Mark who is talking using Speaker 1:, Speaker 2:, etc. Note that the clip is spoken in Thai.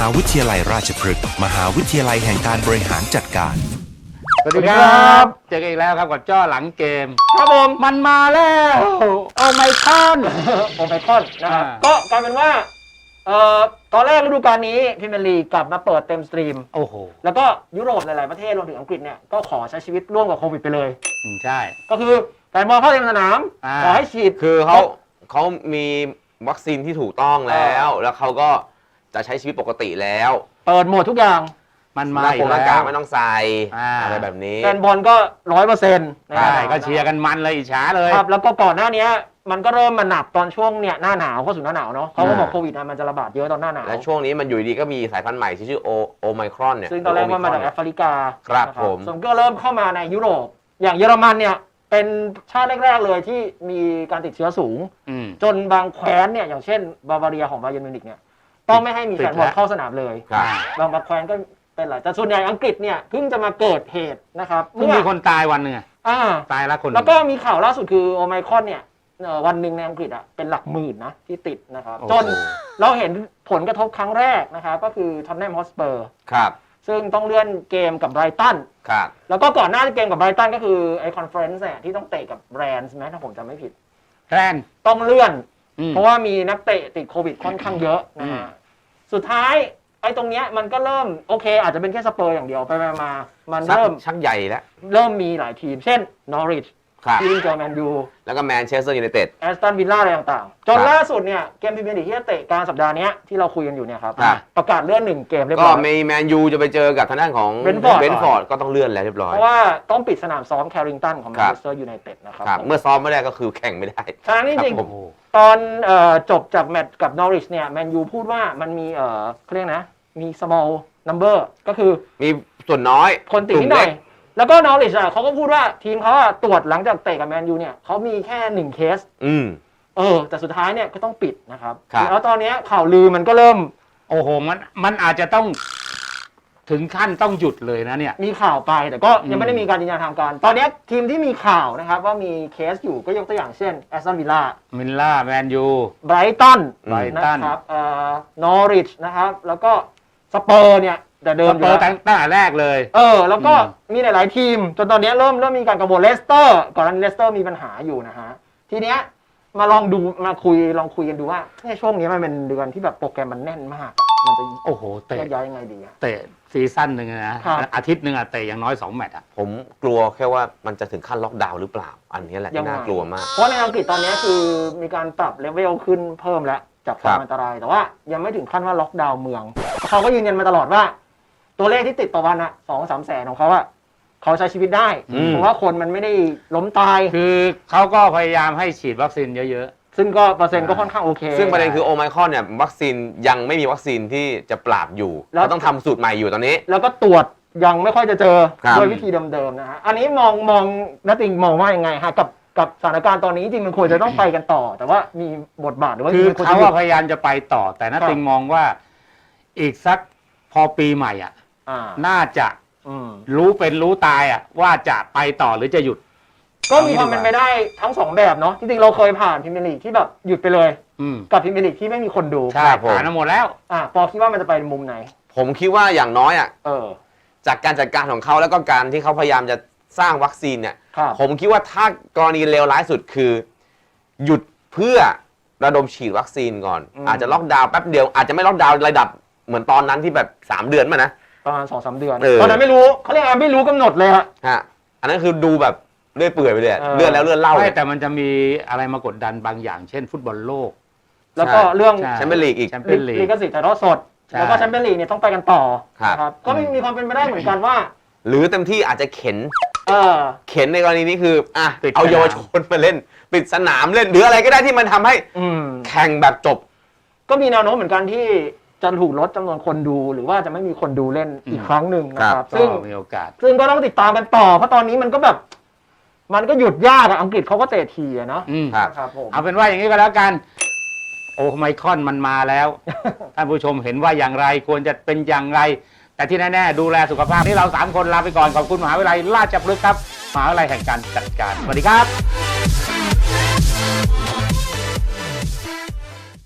Speaker 1: าวิทยาลัยราชพฤกษ์มหาวิทยาลัยแห่งการบริหารจัดการ
Speaker 2: สวัสดีครับเจอกันอีกแล้วครับกับจ้อหลังเกมครับผมมันมาแล้วโอไมครอน
Speaker 3: โอไมครอนนะครับก็กลายเป็นว่าตอนแรกฤดูกาลนี้พรีเมียร์ลีกกลับมาเปิดเต็มสตรีม
Speaker 2: โอ้โห
Speaker 3: แล้วก็ยุโรปหลายๆประเทศรวมถึงอังกฤษเนี่ยก็ขอใช้ชีวิตร่วมกับโควิดไปเลย
Speaker 2: ใช่
Speaker 3: ก็คือแฟนบอลเข้าเต็มสนามขอให้ฉีด
Speaker 4: คือเขามีวัคซีนที่ถูกต้องแล้วเขาก็จะใช้ชีวิตปกติแล้ว
Speaker 3: เปิดหมดทุกอย่าง
Speaker 2: มันมา
Speaker 4: อีกแล้วหน้ากากไม่ต้องใส่อะไรแบบนี้
Speaker 3: แฟนบอลก็100%
Speaker 2: ใช่ก็เชียร์กันมันเลยอิจฉาเลย
Speaker 3: ครับแล้วก็ก่อนหน้านี้มันก็เริ่มมาหนักตอนช่วงเนี่ยหน้าหนาวเข้าสู่หน้าหนาวเนาะเขาก็บอกโควิดมันจะระบาดเยอะตอนหน้าหนาว
Speaker 4: และช่วงนี้มันอยู่ดีก็มีสายพันธุ์ใหม่ที่ชื่อโอไมครอนเนี่ย
Speaker 3: ซึ่งตอนแรกมันมาจากแอฟริกา
Speaker 4: ครับผม
Speaker 3: ส่วนก็เริ่มเข้ามาในยุโรปอย่างเยอรมันเนี่ยเป็นชาติแรกๆเลยที่มีการติดเชื้อสูงจนบางแคว้นเนี่ยอย่างเช่นบาวาเรียของบาเยิร์นมิวนิกเนี่ยต้องไม่ให้มีแฟนบอลเข้าสนามเลยบางแคว้นก็เป็นหลายแต่ส่วนใหญ่อังกฤษเนี่ยเพิ่งจะมาเกิดเหตุนะครับ
Speaker 2: เพิ่งมีคนตายวันหนึ่งตายแล้วคน
Speaker 3: แล้วก็มีข่าวล่าสุดคือโอไมครอนเนี่ยวันหนึ่งในอังกฤษเป็นหลักหมื่นนะที่ติดนะครับจนเราเห็นผลกระทบครั้งแรกนะครับก็คือท็อตแนมฮอตสเปอร์
Speaker 4: ครับ
Speaker 3: ซึ่งต้องเลื่อนเกมกับไบรตัน
Speaker 4: ครับ
Speaker 3: แล้วก็ก่อนหน้าเกมกับไบรตันก็คือไอคอนเฟอเรนซ์เนี่ยที่ต้องเตะกับแรนส์ไหมถ้าผมจำไม่ผิด
Speaker 2: แรน
Speaker 3: ต้องเลื่อนเพราะว่ามีนักเตะติดโควิดค่อนข้างเยอะนะฮะสุดท้ายไอ้ตรงเนี้ยมันก็เริ่มโอเคอาจจะเป็นแค่สเปอร์อย่างเดียวไปมามันเริ่ม
Speaker 4: ชักใหญ่แล้ว
Speaker 3: เริ่มมีหลายทีมเช่นนอริชทีมเจอแมนยู
Speaker 4: แล้วก็แมนเชสเตอร์ยูไนเต็ด
Speaker 3: แอสตันวิลล่าอะไรต่างๆจนล่าสุดเนี่ยเกมพรีเมียร์ลีกที่จะเตะกลางสัปดาห์นี้ที่เราคุยกันอยู่เนี่ยครับประกาศเลื่อน1เกมเรียบร้อย
Speaker 4: ก็มีแมนยูจะไปเจอกับทางด้านของเบนฟอร์ดก็ต้องเลื่อนแล้วเรียบร้อย
Speaker 3: เพราะว่าต้องปิดสนามซ้อมแคริงตันของแมนเชสเตอร์ยูไนเต็ดนะครับ
Speaker 4: เมื่อซ้อมไม่ได้ก็คือแข่งไม่ได้
Speaker 3: ฉะนั้นจริงๆตอนจบจากแมตช์กับนอริชเนี่ยแมนยูพูดว่ามันมีเขาเรียกนะมี small number ก็คือ
Speaker 4: มีส่วนน้อย
Speaker 3: คนติดนิดหน่อยแล้วก็นอริชเขาก็พูดว่าทีมเขาตรวจหลังจากเตะกับแมนยูเนี่ยเขามีแค่1เคสแต่สุดท้ายเนี่ยก็ต้องปิดนะครับแล้วตอนนี้ข่าวลือมันก็เริ่ม
Speaker 2: โอ้โหมันอาจจะต้องถึงขั้นต้องหยุดเลยนะเนี่ย
Speaker 3: มีข่าวไปแต่ก็ยังไม่ได้มีการยืนยันทางการตอนนี้ทีมที่มีข่าวนะครับว่ามีเคสอยู่ก็ยกตัวอย่างเช่นแอสตันวิลล่า
Speaker 2: แมนยู
Speaker 3: ไบรตันนะครับนอริชนะครับแล้วก็สเปอร์เนี่ยแต่เดิมอยู่
Speaker 2: ตั้งแต่แรกเลย
Speaker 3: แล้วก็มีหลายๆทีมจนตอนนี้เริ่มมีการกังวลเลสเตอร์ก่อนหน้านี้เลสเตอร์มีปัญหาอยู่นะฮะทีเนี้ยมาลองคุยกันดูว่าช่วงนี้มันเป็นเดือนที่แบบโปรแกรมมันแน่นมากมันจะ
Speaker 2: โอ้โหเตะ
Speaker 3: ย้ายยังไงดี
Speaker 2: เตะซีซั่นหนึ่งนะอาทิตย์หนึ่งเตะอย่างน้อย2แมตช์
Speaker 4: ผมกลัวแค่ว่ามันจะถึงขั้นล็อกดาวน์หรือเปล่าอันนี้แหละที่น่ากลัวมาก
Speaker 3: เพราะในอังกฤษตอนนี้คือมีการปรับเลเวลขึ้นเพิ่มแล้วจากความอันตรายแต่ว่ายังไม่ถึงขั้นว่าล็อกดาวน์เมืองเขาก็ยืนยันมาตลอดว่าตัวเลขที่ติดต่อวัน2-3 แสนของเขาเขาใช้ชีวิตได้เพราะว่าคนมันไม่ได้ล้มตาย
Speaker 2: คือเขาก็พยายามให้ฉีดวัคซีนเยอะ
Speaker 3: ๆซึ่งก็เปอร์เซ็นต์ก็ค่อนข้างโอเค
Speaker 4: ซึ่งประเด็นคือโอไมครอนเนี่ยวัคซีนยังไม่มีวัคซีนที่จะปราบอยู่แล้วต้องทำสูตรใหม่อยู่ตอนนี้
Speaker 3: แล้วก็ตรวจยังไม่ค่อยจะเจอด้วยวิธีเดิมๆนะฮะอันนี้มองนัตติงมองว่ายังไงฮะกับสถานการณ์ตอนนี้จริงมันควรจะต้องไปกันต่อแต่ว่ามีบทบาทหรือว่า
Speaker 2: คือเขาพยายามจะไปต่อแต่นัตติงมองว่าอีกสักพอปีใหม่น่าจะรู้ตายว่าจะไปต่อหรือจะหยุด
Speaker 3: ก็มีความเป็นไปได้ทั้ง2แบบเนาะจริงๆเราเคยผ่านพรีเมียร์ลีกที่แบบหยุดไปเลยกับพรีเมียร์ลีกที่ไม่มีคนดู
Speaker 2: ใช่ผ่านมาหมดแล้ว
Speaker 3: ปอคิดว่ามันจะไปมุมไหน
Speaker 4: ผมคิดว่าอย่างน้อยจากการจัดการของเขาแล้วก็การที่เขาพยายามจะสร้างวัคซีนเนี่ยผมคิดว่าถ้ากรณีเลวร้ายสุดคือหยุดเพื่อระดมฉีดวัคซีนก่อนอาจจะล็อกดาวน์แป๊บเดียวอาจจะไม่ล็อกดาวน์ระดับเหมือนตอนนั้นที่แบบ3 เดือนมานะ
Speaker 3: ประมาณ 2-3 เดือนตอนนั้นไม่รู้เขาเรียกไม่รู้กำหนดเลยฮะ
Speaker 4: อันนั้นคือดูแบบเลื่อยเปื่อยไปเลยเลื่อนแล้วเลื่อนเล่า
Speaker 2: ไม่แต่มันจะมีอะไรมากดดันบางอย่างเช่นฟุตบอลโลก
Speaker 3: แล้วก็เรื่อง
Speaker 4: แชมเปี้ยนลีกอีก
Speaker 3: ลิขสิทธิ์ถ่ายทอดสดแล้วก็แชมเปี้ยนลีกเนี่ยต้องไปกันต่อครับก็มีความเป็นไปได้เหมือนกันว่า
Speaker 4: หรือเต็มที่อาจจะเข็นในกรณีนี้คือเอาเยาวชนมาเล่นปิดสนามเล่นหรืออะไรก็ได้ที่มันทำให้แข่งแบบจบ
Speaker 3: ก็มีแนวโน้มเหมือนกันที่จะถูกลดจำนวนคนดูหรือว่าจะไม่มีคนดูเล่นอีกครั้งหนึ่งนะครับซึ่ง
Speaker 2: มีโอกาส
Speaker 3: ซึ่งก็ต้องติดตามกันต่อเพราะตอนนี้มันก็แบบมันก็หยุดยากอังกฤษเขาก็เตะทีเนาะ
Speaker 2: ครับผมเอาเป็นว่าอย่างนี้ก็แล้วกันโอไมครอนมันมาแล้วท่านผู้ชมเห็นว่าอย่างไรควรจะเป็นอย่างไรแต่ที่แน่ๆดูแลสุขภาพนี่เรา3 คนลาไปก่อนขอบคุณมหาวิทยาลัยราชพฤกษ์ครับมหาวิทยาลัยแห่งการจัดการสวัสดีครับ